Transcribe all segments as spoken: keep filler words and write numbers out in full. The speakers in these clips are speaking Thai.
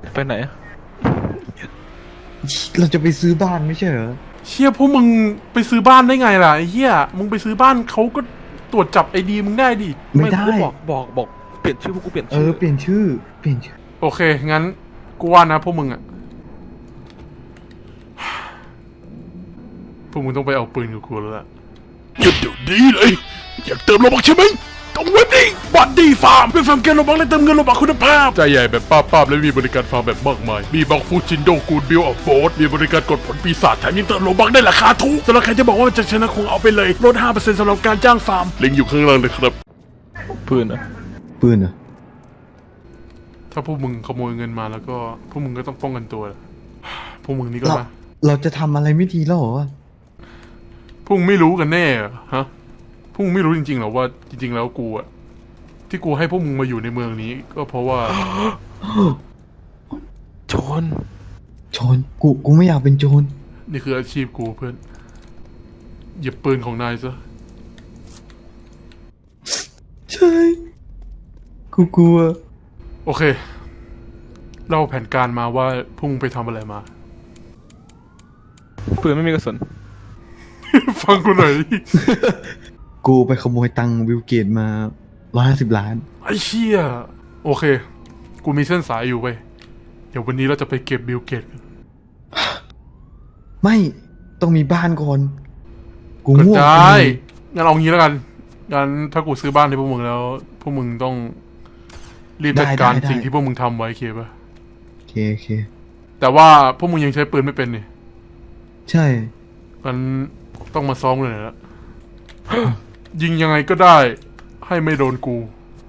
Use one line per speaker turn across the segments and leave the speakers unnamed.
ไปไหน
เราจะไปซื้อบ้านไม่ใช่เหรอ
เชี่ยพวกมึงไปซื้อบ้านได้ไงล่ะไอ้เหี้ยมึงไปซื้อบ้านเขาก็ตรวจจับไอดีมึงได้ดิ
ไม่ได้
บอกบอกบอกเปลี่ยนชื่อพวกกูเปลี่ยน
เอ
ชื่อ
อเปลี่ยนชื่อเปลี่ยนชื่อ
โอเคงั้นกูว่านะพวกมึงอะพวกมึงต้องไปเอาปืนกับกูแล้วล่ะหยุดเดี๋ยวนี้เลยอยากเติมโลบักใช่ไหมต้องเว็บนี้บัตดีฟาร์มเป็นฟาร์มเกมโลบักและเติมเงินโลบักคุณภาพใจใหญ่แบบป้าบๆและมีบริการฟาร์มแบบมากมายมีบักฟูจินโดกูดบิลออฟโบสมีบริการกดผลปีศาจแถมยังเติมโลบักได้ราคาถูกสำหรับใครที่บอกว่ามันจะชนะคงเอาไปเลยลด ห้าเปอร์เซ็นต์ สำหรับการจ้างฟาร์มลิงก์อยู่ข้างล่างเลยครับ
ปืนอะ
ปืนเหรอ
ถ้าพวกมึงขโมยเงินมาแล้วก็พวกมึงก็ต้องป้องกันตัวพวกมึงนี่ก็
เรา
มา
เราจะทำอะไรไม่ดีแล้วเหรอ
พวกมึงไม่รู้กันแน่เหรอฮะพวกมึงไม่รู้จริงๆหรอว่าจริงๆแล้วกูอะที่กูให้พวกมึงมาอยู่ในเมืองนี้ก็เพราะว่า
โจร
โจรกูกูไม่อยากเป็นโจร
นี่คืออาชีพกูเพื่อนหยิบปืนของนายซะ
ใช่กูกลัว
โอเคเล่าแผนการมาว่าพวกมึงไปทำอะไรมา
ปืนไม่มีกระสุน
ฟังกูหน่อย
กูไปขโมยตังค์บิลเกตมาร้อยห้าสิบล้าน
ไอ้เชี่ยโอเคกูมีเส้นสายอยู่เว้ยเดี๋ยววันนี้เราจะไปเก็บบิลเกตกัน
ไม่ต้องมีบ้านก่อนกู
ก็
ง่วง
ได้งั้นเอางี้แล้วกันงั้นถ้ากูซื้อบ้านให้พวกมึงแล้วพวกมึงต้องรีบจัดการสิ่งที่พวกมึงทำไว้เคป่ะ
โอเคโอเค
แต่ว่าพวกมึงยังใช้ปืนไม่เป็นนี่
ใช่
งั้นต้องมาซ้อมกันหน่อยละ ยิงยังไงก็ได้ให้ไม่โดนกู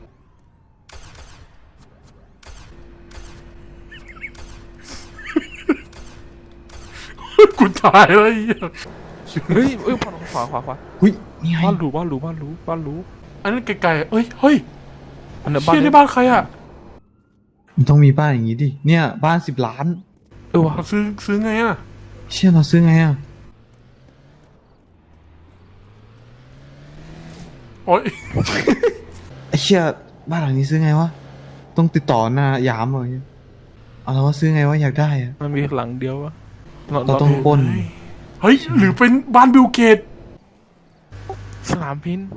กูตายแล้วไอ้เหี้ย
เฮ้ยเอ้ยขวาขวาขวาขวา
หุ้ยนี่ไง
บ้านหรูบ้านหรูบ้านหรูบ้านหรู
อันนั้นไกลๆเอ้ยเฮ้ย
อันนั้นบ้าน
เชี่ยในบ้านใครอ่ะ
มันต้องมีบ้านอย่างงี้ดิเนี่ยบ้านสิบล้าน
เออวะ
ซื้อซื้อไงอ่ะ
เชี่ยเราซื้อไงอ่ะ
โอ๊ย
ไอ้เชี่ยบ้านหลังนี้ซื้อไงวะต้องติดต่อหน้ายามอะไรเงี้ยเอาแล้วว่าซื้อไงวะอยากได้อะ
มันมีหลังเดียววะ
เราต้องปล้น
เฮ้ยหรือเป็นบ้านบิลเกต
สนามบิน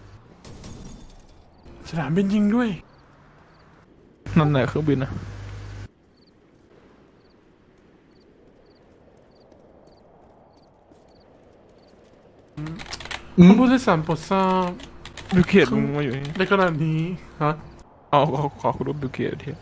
สนามบินยิงด้วย
นั่นไหนเครื่องบินนะ
ท่านผู้โดยสารโปรดทราบ
บิลเกตมึงมาอยู่นี่
ในขณะนี้ฮะ
เอาขอขอคุณดูบิลเกตที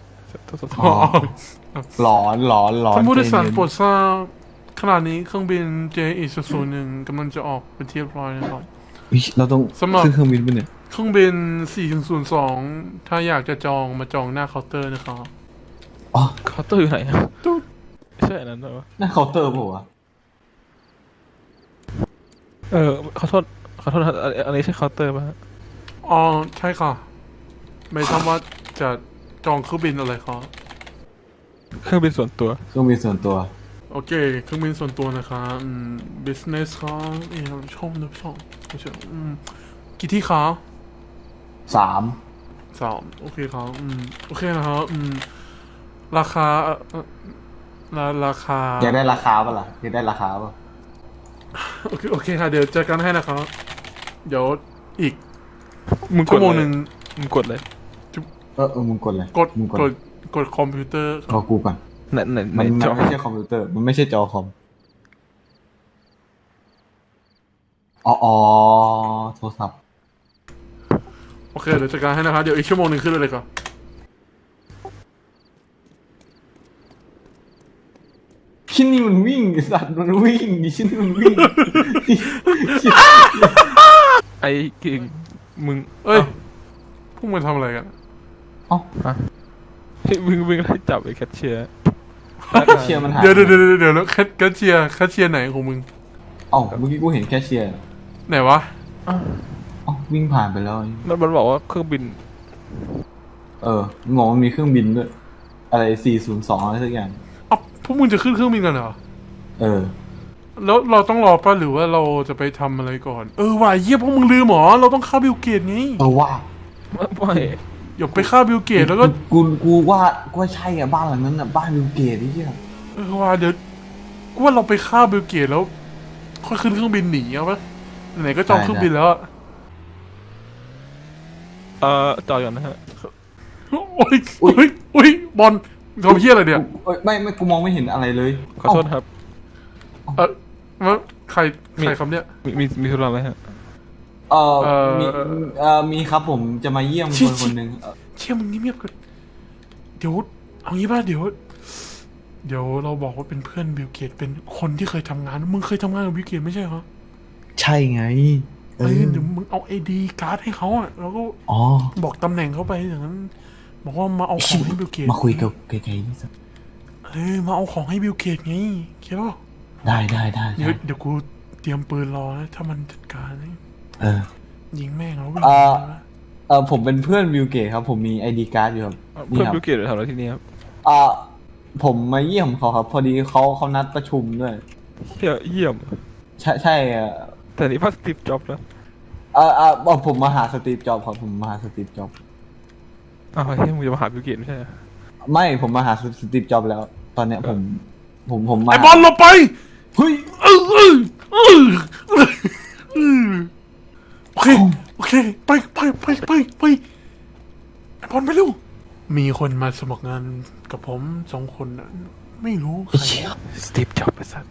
หลอนหลอนหลอน
ท่านผู้โดยสารโปรดทราบขณะนี้เครื่องบิน เจ อี ศูนย์ หนึ่งกำลังจะออกเป็นที่เรียบร้อยนะครับ
เราต้องขึ้นเครื่องบินไปเนี่ย
เครื่องบิน สี่ศูนย์สอง ถ้าอยากจะจองมาจองหน้าเคาน์เตอร์นะครับ
อ๋อ
เคาน์เตอร์อยู่ไหนอะใช่นั้นเหรอ
หน้าเคาน์เตอร์ป่ะ
เออขอโทษขอโทษอันนี้ใช่เคาน์เตอร์ป่ะ
อ๋อใช่ค่ะไม่ทราบว่าจะจองเครื่องบินอะไรครับ
เครื่องบินส่วนตัว
เครื่องบินส่วนตัว
โอเคเครื่องบินส่วนตัวนะครับอืม business ครับเอ๋ช่องนึกช่องไม่ใช่อืมกี่ที่ครับ
สาม
สามโอเคครับอืมโอเคนะครับอืมราคาเอ่อราราคา
อยากได้ราคาป่ะล่ะอยากได้ราคาป่ะ
โอเคโอเคค่ะเดี๋ยวจัดการให้นะครับเดี๋ยวอีก
มึง
ชั่วโมงหนึ่ง
มึงกดเลย
เออเออมึงกดเลย
กดกดกดคอมพิวเตอร์
รอกูก่อน
ไหนไหน
มันไม่ใช่คอมพิวเตอร์มันไม่ใช่จอคอมอ๋ออ๋อโทรศัพท์
โอเคเดี๋ยวจัดการให้นะครับเดี๋ยวอีกชั่วโมงหนึ่งขึ้นเลยครับ
ชิ้นนี้มันวิ่งสัตว์มันวิ่งดิชิ้นนี้มันวิ่ง
ไอ้กิ่งมึง
เอ้ยพวกมึงทำอะไรกัน
อ๋อ
ฮะมึงมึงไล่จับไอ้แคชเชียร์
แคชเชียร์มันหาย
เดี๋ยวเดี๋ยวเดี๋ยวเดี๋ยวแล้วแคชเชียร์แคชเชียร์ไหนของมึง
อ๋อเมื่อกี้กูเห็นแคชเชียร์
ไหนวะ
อ๋อวิ่งผ่านไปแล้ว
มันมันบอกว่าเครื่องบิน
เอองงมันมีเครื่องบินด้วยอะไรสี่ศูนย์สองอะไรสักอย่าง
อ๋อพวกมึงจะขึ้นเครื่องบินกันเหรอ
เออ
แล้วเราต้องรอป่ะหรือว่าเราจะไปทำอะไรก่อนเออว่ะเยี่ยพวกมึงลืมหรอเราต้องเข้าบิลเกตไง
เออว่า
ไม่
อย่าไปฆ่าบิลเกตแล้วก็
กูกูว่ากูว่าใช่อ่ะบ้านหลังนั้นอ่ะบ้านบิลเกตไอ้เหี้ย
เออว่าเดี๋ยวกูว่าเราไปฆ่าบิลเกตแล้วค่อยขึ้นเครื่องบินหนีเอาปะไหนๆก็จองเครื่องบินแล้วอะ
เอ่อจอดก่อนนะฮะ
โอ้ยโอ้ยโอ้ยบอลทำเพี้ยอะไรเนี่ย
เอ้ยไม่ไม่กูมองไม่เห็นอะไรเลย
ขอโทษครับ
เออว่าใครใครคำเนี้ย
มีมีมีธุระไหมฮะ
เออ
เอ่อ
มีเอ่อมีครับผมจะมาเยี่ยมคนคนหนึ่งเอ่อ
เชี่ยมึงเงียบๆกันเดี๋ยวเอางี้ป่ะเดี๋ยว เดี๋ยวเราบอกว่าเป็นเพื่อนบิลเกตเป็นคนที่เคยทำงานมึงเคยทำงานกับบิลเกตไม่ใช่เหรอ
ใช่ไง
เออเดี๋ยวมึงเอาไอดีการ์ดให้เขาอ่ะแล้วก็
อ๋อ
บอกตำแหน่งเขาไปอย่างนั้น บอกว่ามาเอาของให้บิลเกต
มาคุยกับไกลๆนี่สัก
เออมาเอาของให้บิลเกตไงเข้าป่ะ
ได้ได้ได้
เดี๋ยว
ได้
เดี๋ยวกูเตรียมปืนรอนะถ้ามันจัดการนะ
เออ
ยิงแม่งแล้ววิ่ง
เอ่อ
หนีนะ
เออผมเป็นเพื่อนบิลเกตครับผมมีไอดีการ์ดอยู่ครับ
เพื่อน
ครับ
บิลเกตหรือทำอะไรที่นี่ครับ
เอ่อผมมาเยี่ยมเขาครับ พอดีเขาเขานัดประชุมด้วย
เที่ยเยี่ยม
ใช่ใช่เอ่อ
แต่นี่พัสติฟจ็อบนะ
เออเออบอกผมมาหาสตีฟจ็อบส์ครับผมมาหาสตีฟจ็อบส์
อ้าวเฮ้ยมึงจะมาหาบิลเกตไม่ใช่เหรอ
ไม่ผมมาหาสตีฟจ็อบส์แล้ว ตอนเนี้ยผมผมผมมา
ไอบอลเราไป
เฮ้ย
เออเออเออเออเออโอเคโอเคไปไปไปไปไปไอบอลไปเร็วมีคนมาสมัครงานกับผมสองคนน่ะไม่รู้ใคร
สตีฟจ็อบส์ไอ้สัส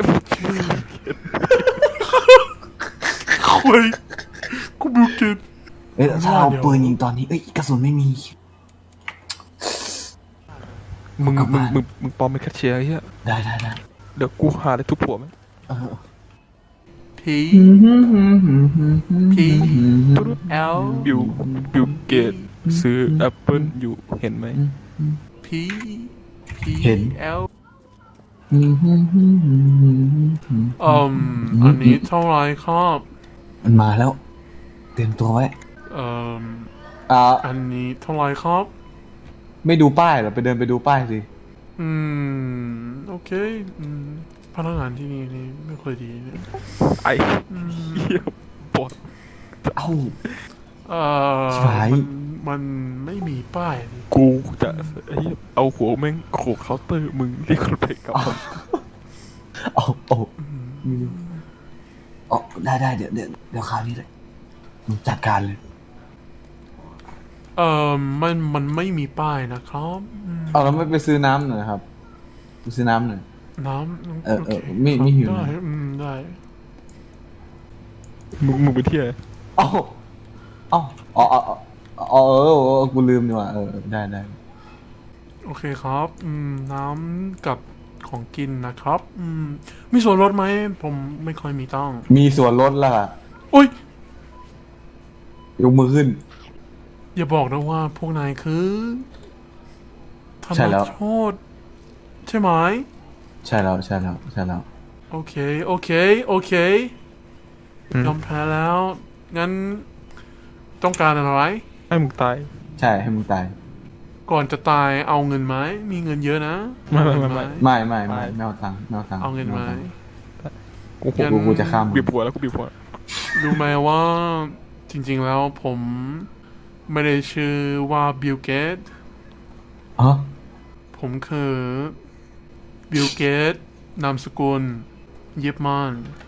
คุยกูบิลเกต
เอ้ยถ้าเราปืนยิงตอนนี้เอ้ยกระสุนไม่มี
มึง
กลับ
มึง
บ้าน
มึงมึงปลอมเป็นแคชเชียร์ไอ้เหี้ย
ได้ได้ได้
เดี๋ยวกูหาได้ทุบผัวมั้ย
เออ
พีพีเอล
บิลบิลเกตซื้อแอปเปิลอยู่เห็นไหม
พีพีเอลอืมอันนี้เท่าไรครับ
มันมาแล้ว เตรียมตัวไว้
เอ่อ
อ่า
อันนี้เท่าไรครับ
ไม่ดูป้ายเหรอไปเดินไปดูป้ายสิ
อืม โอเคอืมพนักงานที่นี่นี่ไม่ค่อยดีเนี่ย
ไอ้เหี้ยปวด
เอ้า
เอ่อ
ชิบหาย
มันมันไม่มีป้ายนี่
กูจะไอ้เหี้ยเอาหัวแม่งโขกเคาน์เตอร์มึงเรียกคนไปกลับมา
เอาเอาเอาได้ได้เดี๋ยวเดี๋ยวเดี๋ยวคราวนี้เลยมึงจัดการเลย
เอ่อมันมันไม่มีป้ายนะครับอืม
เอาแล้วไม่ไปซื้อน้ำหน่อยครับไปซื้อน้ำหน่อย
น้ำ
เออเออ
โค
ไม่ไม่หิว
ได้
นะ
อืมได้
มึงมึงไปเที่ยว
เอ้าเอ้าอ๋ออ๋ออ๋ออ๋อเออเออกูลืมดีกว่าเออได้ได้
โอเคครับ อืม น้ำกับของกินนะครับ อืม มีส่วนลดไหม ผมไม่ค่อยมีตังค์
มีส่วนลดล่ะ
โอ้ย
ยกมือขึ้น
อย่าบอกนะว่าพวกนายคือธ
ใช่
น
แล้ว
โทษใช่ไหม
ใช่แล้วใช่แล้วใช่แล้ว
โอเค โอเค โอเค
อืม
ยอมแพ้แล้ว งั้น ต้องการอะไร
ให้มึงตาย
ใช่ให้มึงตาย
ก่อนจะตายเอาเงินไหม มีเงินเยอะนะ
ไม่ไม่ไม่ไม่
ไม่ไม่ไม่ไม่เอาตังค์ไม่เอาตังค์
เอาเงินไหม
ตัค์
กู
งั้น
กูกูจะข้ามมึง
บีบหัวแล้วกูบีบหัว
รู้ไหมว่าจริงๆแล้วผมไม่ได้ชื่อว่าบิลเกต
อ๋อ
ผมคือบิลเกตนามสกุลเย็บมาน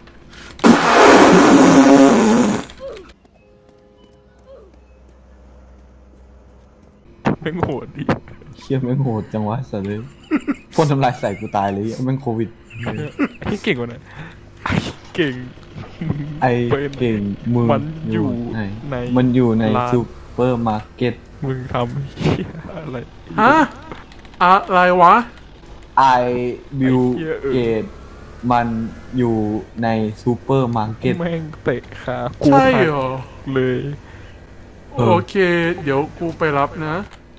แม่งโหดดิ
เชี่ยแม่งโหดจังวะสัตว์เลยพ่นทำลายใส่กูตายเลยแม่งโควิด
ไอ้เก่งกว่านั้นไอ้เก่ง
ไอ
เป็น
เก่งมึง
มันอยู่
ไหน
ใน
มันอยู่ใน
ร้าน
ซูเปอร์มาร์เก็ต
มึงทำเหี้ยอะไร
ฮะอะไรวะ
ไอบิล
ไอ้เหี้ยเออ
เกตมันอยู่ในซูเปอร์มาร์เก็ต
แม่งเตะขากู
ใช่
หัก
เหรอ
เลย
เออ
โอเค เดี๋ยวกูไปรับนะ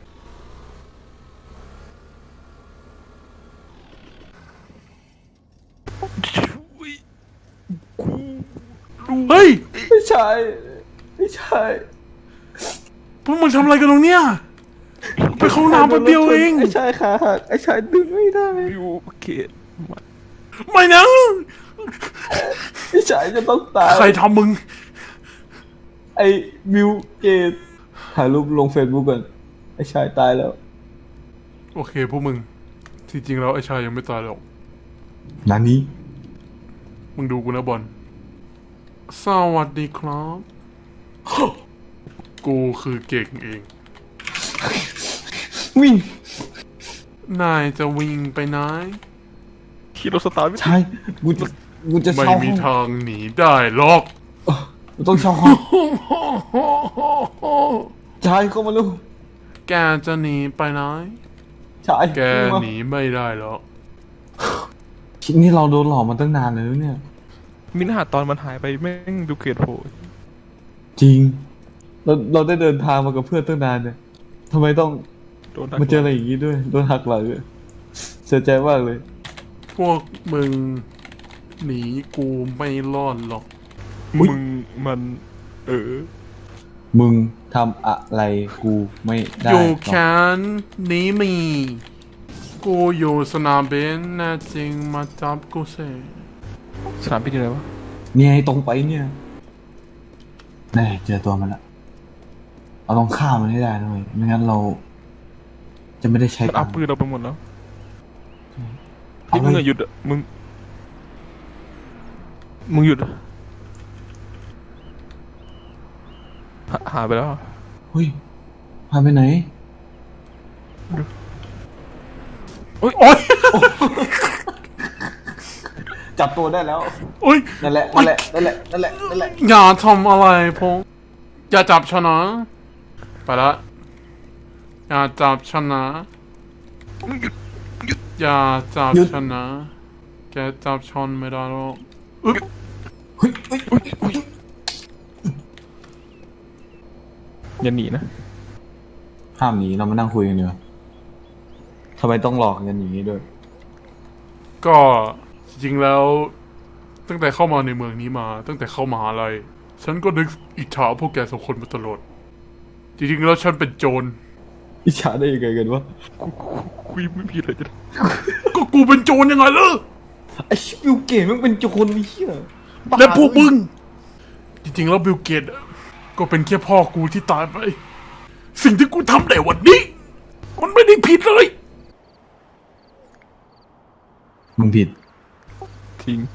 เฮ้ย
ไม่ใช่ไม่ใช่
พวกมึงทำอะไรกันตรงเนี้ยไปเข้าห้องน้ำแป๊บเดียวเอง
ไอ้ชายขาหักไอ้ชายดึงไม่ได้
บิวเกตมัน
ไม่นะ
ไอ้ชายจะต้องตาย
ใครทำมึง
ไอ้บิลเกตถ่ายรูปลงเฟซบุ๊กก่อนไอ้ชายตายแล้ว
โอเคพวกมึงที่จริงแล้วไอ้ชายยังไม่ตายหรอก
นานี้
มึงดูกูนะบอลสวัสดีครับ กูคือเก่งเอง
วิ่ง
นายจะวิ่งไปไหน
ขี่รถสตาร์ทไม่
ชายกูจะกูจะ
ไม่
เช่า
มี
ห้อง
ทางหนีได้หรอก
กูต้องเช่าห้องชายเข้ามาลูก
แกจะหนีไปไหน
ชาย
แก
มา
หนีไม่ได้หรอก
คิดนี่เราโดนหลอกมาตั้งนานเลยนะเนี่ย
มินหาตอนมันหายไปแม่งดูเกลียดโผล่
จริง เราเราได้เดินทางมากับเพื่อนตั้งนานเนี่ยทำไมต้อง
โดนดัก
มาเจออะไรอย่างนี้ด้วย โดนหักหลังด้วยเสียใจมากเลย
พวกมึงหนีกูไม่รอดหรอก
มึงมัน เออ
มึงทำอะไรกูไม่ได้
อยู่
หรอก
แค้นหนีมี กูอยู่สนามบินแน่จริงมาจับกูเส
สนามบินอยู่ไหนวะ
เนี่ยไอ้ตรงไปเนี่ยแน่เจอตัวมันละเราต้องฆ่ามันให้ได้นะเว้ยไม่งั้นเรา จะไม่ได้ใช้
มัน
กั
เอา
น
ปืนเราไปหมดแล้ว
เอา
นี่มึง
เล
อะ
ย
หยุดอะมึง มึงหยุดอะหาหายไปแล้วอะ
เฮ้ยพาไปไหน
โอ๊ย
จับตัวได้แล้ว
โอ๊ย
นั่นแหละ นั่นแหละ นั่นแหละ นั่นแหละ นั่นแหละ
อย่าทำอะไรผมอย่าจับฉันนะไปละอย่าจับฉันนะอย่าจับ
หยุด
ฉันนะแกจับฉันไม่ได้หรอกอึ๊บ
เฮ้ยเฮ้ยเฮ้ยเฮ้ย
อย่าหนีนะ
ห้ามหนีเรามานั่งคุยกันเนีกว่ยทำไมต้องหลอกกันอย่างนี้ด้วย
ก็จริงๆแล้ว ตั้งแต่เข้ามาในเมืองนี้มา ตั้งแต่เข้ามหาลัยฉันก็นึกอิจฉาพวกแกสองคนมาตลอดจริงๆแล้วฉันเป็นโจร
อิจฉาได้ยังไงกันวะ
กูกูคุยไม่ผิดเลยจ้ะ
ก็กูเป็นโจรยังไงล่ะ
ไอ้ชิบิวเก๋มันเป็นโจรนี่เหี้ยบ้า
และพวกมึง จริงๆแล้วบิลเกตอะก็เป็นแค่พ่อกูที่ตายไป สิ่งที่กูทำในวันนี้ มันไม่ได้ผิดเลย
มึงผิด
ทิ้ง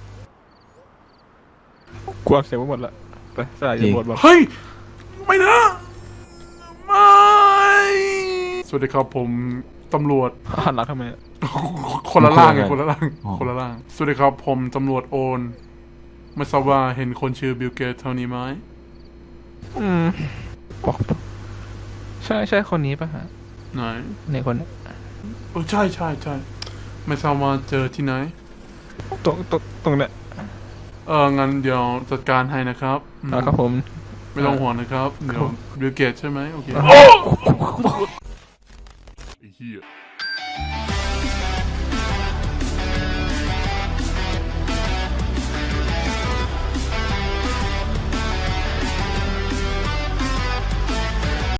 กูอัดเสียงไว้หมดละไปสลาย
จริ
จะ
ง
หมดวะ
เฮ้ย ไม่นะ ไม่ สวัสดีครับผมตำรวจ
หันหลังทำไมอะ
คนละล่างไง
ค
คน น
ละ
ละ
ล่า
ล่าง ง
อ๋อ
คนละล่าง สวัสดีครับผมตำรวจโอนไม่ทราบว่าเห็นคนชื่อบิลเกตเท่านี้ไหม
อืมบอกใช่ใช่คนนี้ปะฮะ
ไหน
ในคนเนี้ย
เออใช่ใช่ใช่ไม่ทราบว่าเจอที่ไหน
ตรงตรงตรงเนี้ย
เอองั้นเดี๋ยวจัดการให้นะครับอืม
อ่าครับผม
ไม่ต้องห่วงนะครับ เดี๋ยวบิลเกตใช่ไหมโอเคไอ้เหี้ย